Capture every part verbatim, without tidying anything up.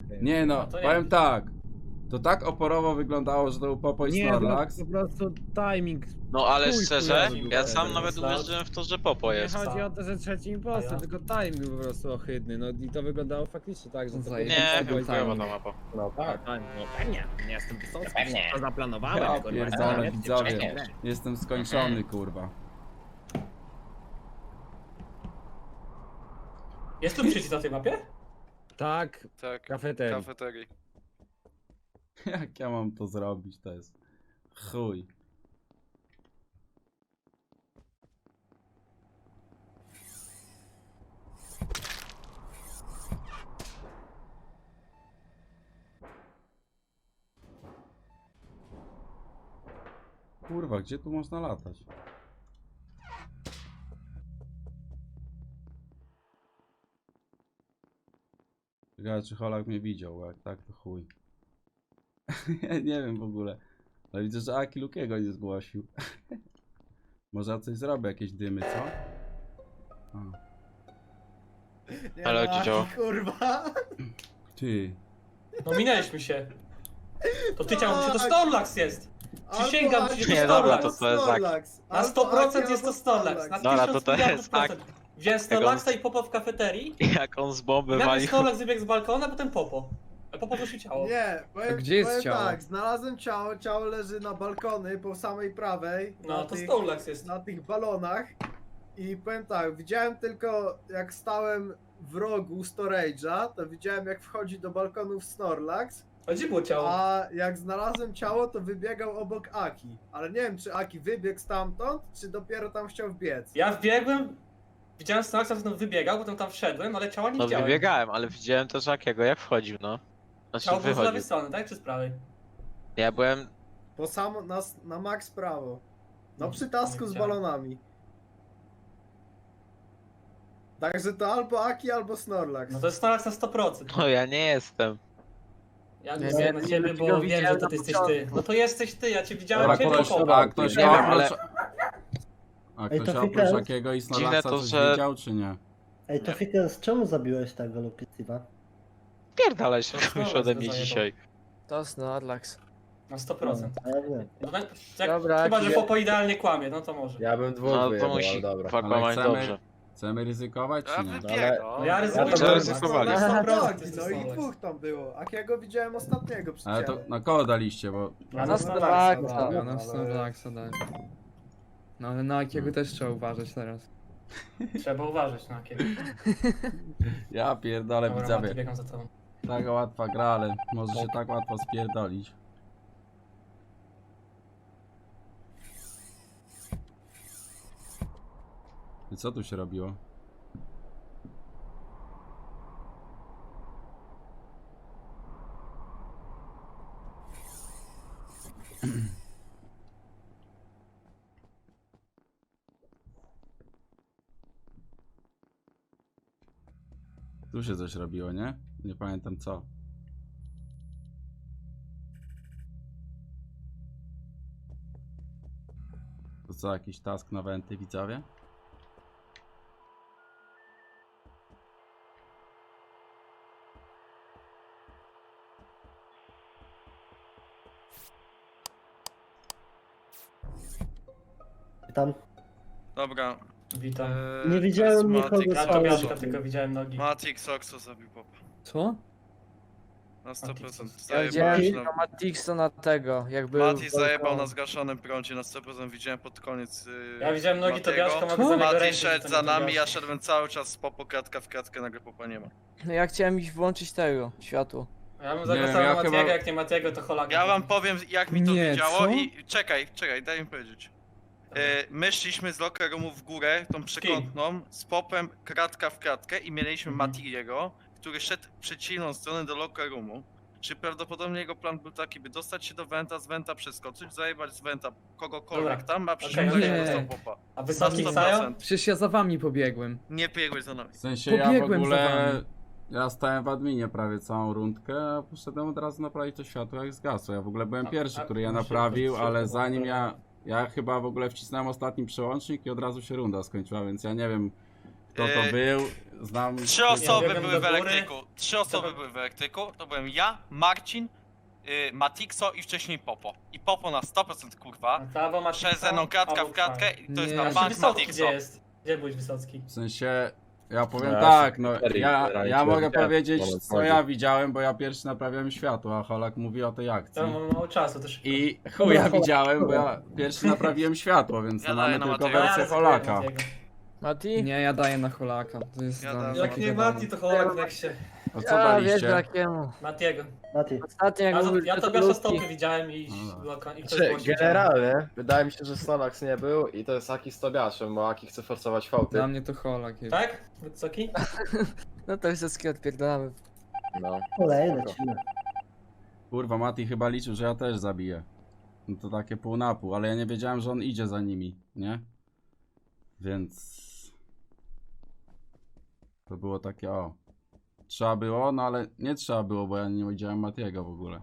Nie no, No to nie. powiem tak. To tak oporowo wyglądało, że to był Popo i Nie, Snorlax. po prostu timing. No ale Chuj szczerze, chujowy ja był. sam nawet Start. uwierzyłem w to, że Popo Nie jest. chodzi o to, że trzeci impostor, A ja? tylko timing był po prostu ohydny, no i to wyglądało faktycznie tak, że to Zaje- Nie, byłeś chyba timing. ta mapa. No tak, no pewnie, nie jestem wysocki, Pewnie. to zaplanowałem, Ja kurwa, pierdolę, zaraz widzowie. cię przejdę. Jestem skończony, kurwa. Jest tu przycisk na tej mapie? Tak, Tak, kafeterii. kafeterii. Jak ja mam to zrobić, to jest chuj. Kurwa, gdzie tu można latać? Ciekawe, czy Holak mnie widział, bo jak tak to chuj. Ja nie wiem w ogóle. Ale widzę, że Aki Lukiego nie zgłosił. Może ja coś zrobię, jakieś dymy, co? A. Ale gdzie działa? Kurwa! Ty. No minęliśmy się. To ty ciało, czy to Snorlax jest? Przysięgam Albo ci, Aki, że Nie, to dobra, Snorlax. to to jest tak. Snorlax. Na Albo sto procent Aki, jest to albo Snorlax. Na Dobra, to tysiąc to jest miliardów tak. procent. Wziąłem Jak on- Snorlaxa i Popo w kafeterii. Jak on z bomby Nagle walił. Snorlax wybiegł z balkona, a potem Popo. A Popo wyszło ciało. Nie, powiem, gdzie jest powiem ciało? tak, znalazłem ciało, ciało leży na balkony po samej prawej. No na to tych, Snorlax jest. na tych balonach. I powiem tak, widziałem tylko jak stałem w rogu storage'a, to widziałem jak wchodzi do balkonów Snorlax, A gdzie było ciało? a jak znalazłem ciało, to wybiegał obok Aki. Ale nie wiem, czy Aki wybiegł stamtąd, czy dopiero tam chciał wbiec. Ja wbiegłem, widziałem Snorlaxa, potem wybiegał, potem tam wszedłem, ale ciała nie No widziałem. wybiegałem, ale widziałem też Akiego jak wchodził, no. Znaczy Ciało było z lewej wychodził. strony, tak? Czy z prawej? Ja byłem... Po samo, na, na max prawo. No No, przy tasku nie z widziałem. balonami. Także to albo Aki, albo Snorlax. No to jest Snorlax na sto procent. No ja nie jestem. Ja Nie, głosuję nie, na nie, ciebie, nie, bo nie wiem, że widziałem to na ty jesteś ty. No to jesteś ty, ja cię widziałem A ciebie ktoś, Popo. a ktoś Nie wiem, ale- oprócz... A Ej, ktoś to oprócz Fikret? Akiego i Dziwne Snorlaxa to, coś że- widział, czy nie? Ej, to Fikers, czemu zabiłeś tego Lukitiva? Pierdalaj się To kogoś Snorlax ode go mnie zajebał. dzisiaj. To Snorlax. Na sto procent. A ja wiem. No, tak, jak, Dobra, chyba, że ja- Popo idealnie kłamie, no to może. Ja bym dwóch No to wyjebał, musi ale dobra. dwa kłamać chcemy- dobrze. Chcemy ryzykować, czy Ja nie? wybiegam. No ja ryzykuję, to że ryzykowali. na sto procent Aki, jest no to i Snorlax. dwóch tam było. Akiego widziałem ostatniego przy Ale to ciele. na koło daliście, bo... A Na Snorlaxa, Snorlaxa. dobra. Ja na ale- Snorlaxa dałem. No ale na jakiego też trzeba uważać teraz. Trzeba uważać na kiedy. Ja pierdolę, Dobra, widzowie. Mati, biegam za tobą. Taka łatwa gra, ale może się tak łatwo spierdolić. I co tu się robiło? Tu się coś robiło, nie? Nie pamiętam co. To co, jakiś task na wenty, widzowie? Tam Dobra. Witam. eee, Nie to widziałem jest nikogo Matic, Ja z to całego Biaszka, zombie. tylko widziałem nogi. Matic Oxo zabił Popa. Co? Na sto procent. Ja Zajebał widziałem już na na... Matixo na tego, jakby... Mati zajebał na zgaszonym prącie, na sto procent widziałem pod koniec. Yy, Ja widziałem nogi Matiego. Tobiaszka, mogę Co? za niego Mati rękę, szedł to za nie nami, ja Tobiaszka. szedłem cały czas z Popo kratka w kratkę, nagle Popa nie ma. No ja chciałem iść włączyć tego, światło. Ja bym Nie zagłosował wiem, na ja Matiego, chyba- jak nie Matiego, to Holaka. Ja wam powiem jak mi to Nie, wiedziało co? i czekaj, czekaj, daj mi powiedzieć. Yy, my szliśmy z locker roomu w górę, tą przekątną, z Popem kratka w kratkę i mieliśmy Mhm. Matiego, który szedł w przeciwną stronę do locker roomu. Czy prawdopodobnie jego plan był taki, by dostać się do Venta, z Venta przeskoczyć, zajebać z Venta kogokolwiek Dobra. tam, a Okej, przyszedł okej. dostał Popa. A Na wysoki sto Ksajo? procent. Przecież ja za wami pobiegłem. Nie biegłeś za nami. W sensie ja w Pobiegłem za ogóle... wami. Ja stałem w adminie prawie całą rundkę, a poszedłem od razu naprawić to światło jak zgasło. Ja w ogóle byłem A- pierwszy, a- który je a- naprawił, szybko, ale szybko, zanim dobra. ja... Ja chyba w ogóle wcisnąłem ostatni przełącznik i od razu się runda skończyła, więc ja nie wiem... kto to Yy, był, znam... Trzy osoby biegłem były do w góry. elektryku. Trzy osoby Dobra. były w elektryku. To byłem ja, Marcin, yy, Matixo i wcześniej Popo. I Popo na sto procent kurwa. Albo masz Przez ze mną kratka w kratkę i to jest Nie. na A A bank Wysocki Matixo. gdzie jest? Gdzie byłeś Wysocki? W sensie, ja powiem No, ja tak, się no cztery ja, generalnie ja tyle mogę widziałem, powiedzieć, moment co chodzi. ja widziałem, bo ja pierwszy naprawiałem światło, a Holak mówi o tej akcji. To mam mało czasu, to szybko. I chuj, ja widziałem, bo ja pierwszy naprawiłem światło, więc Ja to daję mamy na tylko Matiego. wersję Ja Holaka. Matiego. Mati? Nie, ja daję na Holaka. To jest Ja dla dam- mnie Jak takie nie dane. Mati, to Holak w Nexie. A co Ja wiesz daliście? jakiemu. Matiego. Mati. Ostatnio jak Ja, mówił, ja że Tobiasza ludzki. stopy widziałem i, No dobra. bloka- i ktoś Znaczy, zgłosił ciało. generalnie, wydaje mi się, że Solax nie był i to jest Aki z Tobiaszem, bo Aki chce forsować fałty. Dla mnie to Holak jest. Tak? Wysoki? No to wszystkie odpierdalamy. No. Kolej, lecimy. Kurwa, Mati chyba liczył, że ja też zabiję. No to takie pół na pół, ale ja nie wiedziałem, że on idzie za nimi, nie? Więc... To było takie, o... Trzeba było, no ale nie trzeba było, bo ja nie widziałem Matiego w ogóle.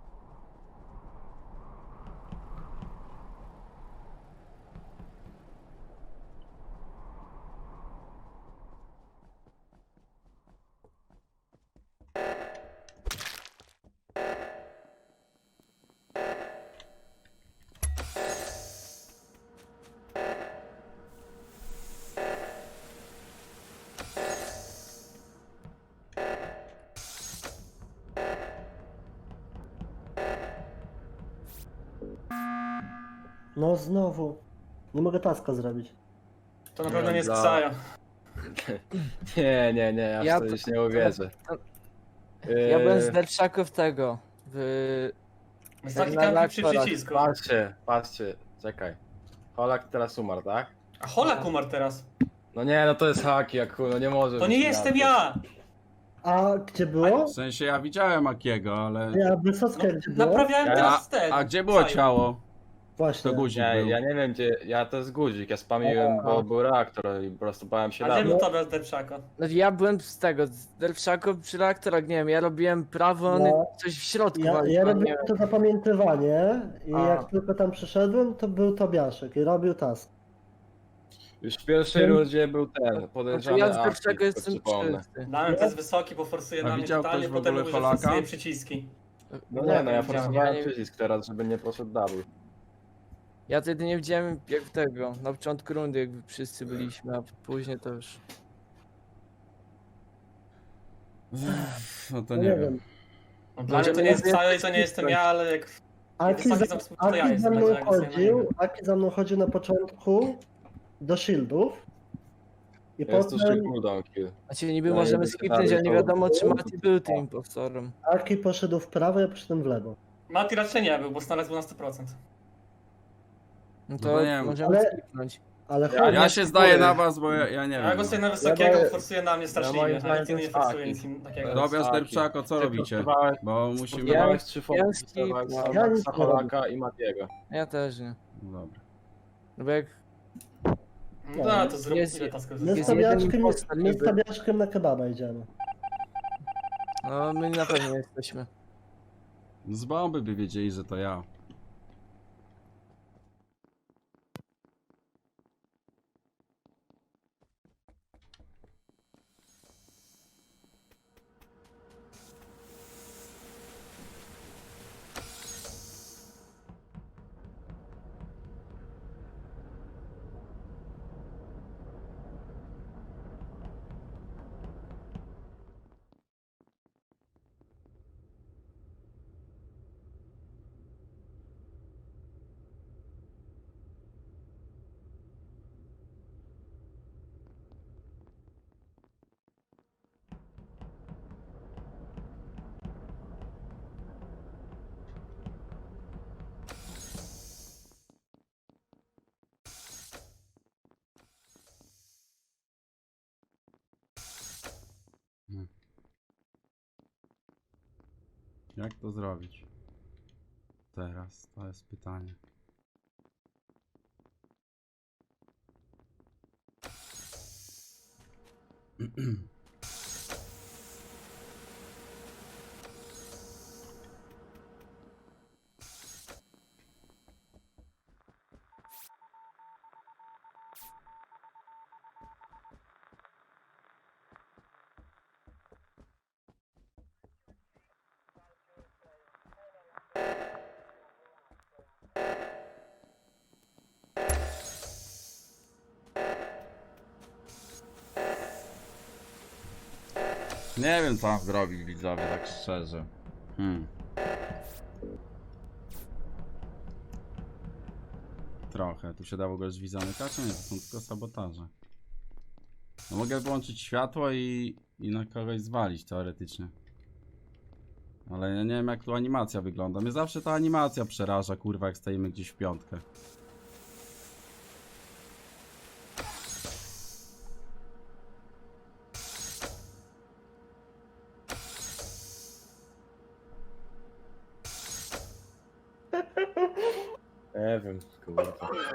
No znowu. Nie mogę taska zrobić. To na pewno nie jest Dla- Ksaja. Nie, nie, nie, ja, Ja w to to- już nie uwierzę. Ja byłem z Yy, Derszaków tego. W... Wysoki na kampi przy reaktorach. przycisku. Patrzcie, patrzcie, czekaj. Holak teraz umarł, tak? A Holak umarł teraz. No nie, no to jest Haki, jak chuj, no nie może To być nie inaczej. jestem ja! A gdzie było? W sensie ja widziałem Akiego, ale... Ja Wysocka No, gdzie było? naprawiałem Ja- teraz ten. A gdzie było Ksaja. ciało? Właśnie. To guzik Nie, był. ja nie wiem gdzie, ja to jest guzik, ja spamiłem, bo był reaktor i po prostu bałem się A gdzie na był Tobiasz Derpszako? No ja byłem z tego, z Derszaków przy reaktorach, nie wiem, ja robiłem prawo, on No. coś w środku Ja, walił, ja nie robiłem wiem. to zapamiętywanie i A. jak tylko tam przyszedłem, to był Tobiaszek i robił task. Już w pierwszej Wiem. rundzie był ten, Znaczy podejrzany ja z Aki, Derszako to jestem przypomnę. czysty. Damian to jest wysoki, bo forsuje A na mnie widział totalnie, ktoś w potem ogóle mówi, że Holaka? forsuje przyciski. No nie, no ja widziałem, forsowałem ja nie- przycisk teraz, żeby nie poszedł double. Ja wtedy nie widziałem jak tego, na początku rundy jakby wszyscy byliśmy, a później to już... No to No nie wiem. No, Dla mnie to nie jest Może- Ksaja i to nie jestem ja, ale jak... Aki Wysoki za, za- to ja Aki za jestem, mną także ja głosuję na chodził, niego. Aki za mną chodził na początku do shieldów. I Jest to potem cooldown kill. Znaczy niby No, możemy jakby skipnąć, ale nie to- wiadomo czy Mati był tym impostorem. Aki poszedł w prawo, ja poszedłem w lewo. Mati raczej nie był, bo znalazł był na sto procent. No No to to nie wiem. możemy Ale- skipnąć. Ale Ja- Ja się zdaję na was, bo ja, ja nie Ja wiem. głosuję No. na wysokiego, daję- forsuje na mnie straszliwie, moim a zdaniem nic to nie jest forsuje, Aki. nic in- takiego. Dobra. Tobiasz Taki. Derpszako, co Ty robicie? forsowałeś- Bo musimy... Ja- Próbowałeś trzy ja foty, skipnąłem. forsowałeś Ja nic Solaxa, nie robię. Holaka i Matiego. Ja też nie. No dobra. No bo jak No da, to zrób Jest- ile tasków My z Jest jeden Tobiaszkiem, impostor my z niby. Tobiaszkiem na kebaba idziemy. No my na pewno jesteśmy. Z bomby by wiedzieli, że to ja. Jak to zrobić? Teraz, to jest pytanie. Nie wiem co mam zrobić, widzowie, tak szczerze. Hmm. Trochę. Tu się da w ogóle drzwi zamykać? Nie, to są tylko sabotaże. No mogę włączyć światło i, i na kogoś zwalić teoretycznie. Ale ja nie wiem jak tu animacja wygląda. Mnie zawsze ta animacja przeraża, kurwa, jak stoimy gdzieś w piątkę. Nie wiem, kurwa.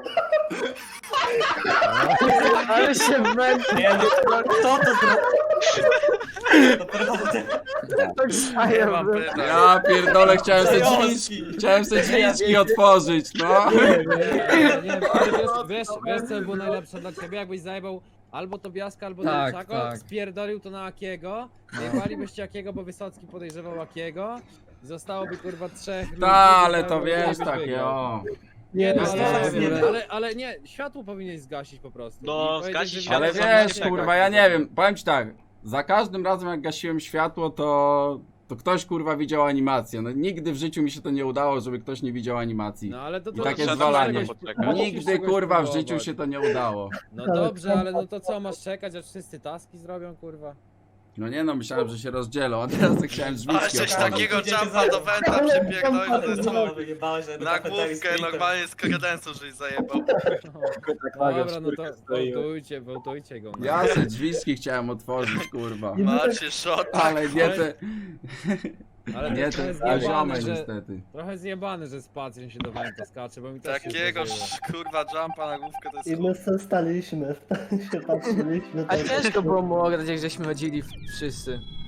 Ale się męczy. Nie no, kto to zrobił? Naprawdę. Tak Nie sajem mam był. pytań. Ja pierdolę, chciałem sobie drzwi, Zająski. chciałem sobie drzwiczki otworzyć, no. Nie, nie, nie, ale wiesz, wiesz, wiesz co by było najlepsze dla ciebie, jakbyś zajebał albo Tobiaska, albo Tak, Demczako, tak. spierdolił to na Akiego, zjebalibyście Akiego, bo Wysocki podejrzewał Akiego, zostałoby kurwa trzech ludzi. Ta, ale to zostałoby- wiesz, byś takie wygrał. o. Nie, No, no, ale, nie, ale, nie. ale, ale nie, światło powinieneś zgasić po prostu. No, I powiedzieć, zgasić że- światło, Ale Światło wiesz, zamknięte. kurwa, ja nie wiem, powiem ci tak, za każdym razem jak gasiłem światło, to, to ktoś kurwa widział animację. No nigdy w życiu mi się to nie udało, żeby ktoś nie widział animacji. No ale to, I to takie musisz zwalanie. czegoś- Poczekaj. musisz Nigdy czegoś kurwa w życiu próbować. się to nie udało. No dobrze, ale no to co, masz czekać, aż wszyscy taski zrobią, kurwa? No nie no, myślałem, że się rozdzielą, a teraz tak chciałem Ale drzwiczki coś otworzyć. takiego jumpa do Venta przypierdolił, Ale że co, wyjebałeś na na główkę normalnie z kredensu, żeś zajebał. Dobra, no to wołtujcie, wołtujcie go. No. Ja se drzwiczki chciałem otworzyć, kurwa. I my tak Macie shot. Ale nie te, Ale to nie jest te trochę poziomy zjebane, że, niestety. trochę zjebane, że spacją się do Wenta skacze, bo mi też się Takiego zdarzyło. kurwa jumpa na główkę to jest I my se staliśmy, się patrzyliśmy. A tak. ciężko było mu ograć, jak żeśmy chodzili wszyscy.